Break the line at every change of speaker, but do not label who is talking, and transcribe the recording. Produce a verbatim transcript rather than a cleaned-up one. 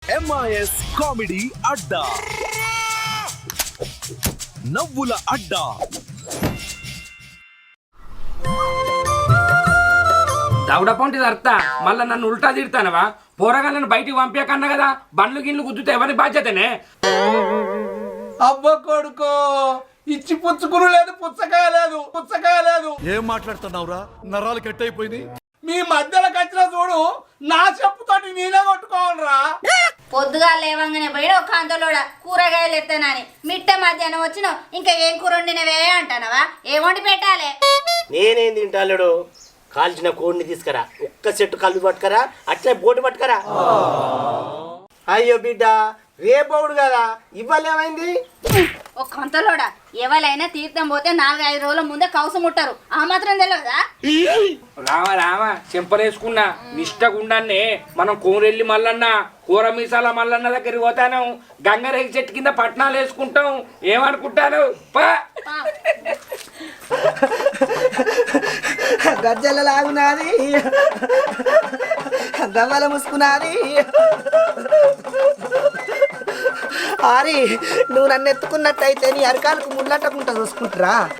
MIS comedy అడ్డా, నవ్వుల అడ్డా.
దౌడ పొంటిది అర్థ మళ్ళా నన్ను ఉల్టా తిడతానవా? పోరగాళ్ళను బయటికి పంపించకన్నా కదా, బండ్లు గిన్లు గుద్దుతే ఎవరి బాధ్యతనే?
అబ్బ కొడుకో, ఇచ్చి పుచ్చుకును లేదు, పుచ్చకాయ లేదు, పుచ్చకాయ లేదు.
ఏం మాట్లాడుతున్నావురా? నరాలు కట్ అయిపోయింది.
మీ మధ్యలో కచ్చిన చూడు, నా చెప్పుతోటి నేనే కొట్టుకోవాలరా.
పొద్దుగా లేవంగానే పోయిన ఒక అంతలోడ కూరగాయలు ఎత్తానని మిట్ట మధ్యాహ్నం వచ్చినావు, ఇంకా ఏం కూర వండినవే అంటానవా? ఏం వండి పెట్టాలి?
నేనేం తింటాడు? కాల్చిన కోడిని తీసుకురా, ఒక్క చెట్టు కళ్ళు పట్టుకరా, అట్లే బోటు పట్టుకరా. అయ్యో బిడ్డ, రేపవుడు కదా, ఇవాళ ఏమైంది?
ఒక అంతలోడ ఎవరైనా తీర్థం పోతే నాలుగు ఐదు రోజుల ముందే కవసం ముట్టారు, ఆ మాత్రం తెలియదా?
రావా రావా చెంపలేసుకున్నా నిష్టగుండాన్నే మనం కోరెల్లి మల్లన్న కూర మీసాల మల్లన్న దగ్గరికి పోతాను, గంగరేగి చెట్టు కింద పట్నాలు వేసుకుంటాం. ఏమనుకుంటాను? పా
గజ్జల లాగునాది, గవ్వల ముసుకునాది. ఆరి, నువ్వు నన్ను ఎత్తుకున్నట్టయితే నీ అరకాలకు ముళ్ళట్టకుండా చూసుకుంటురా.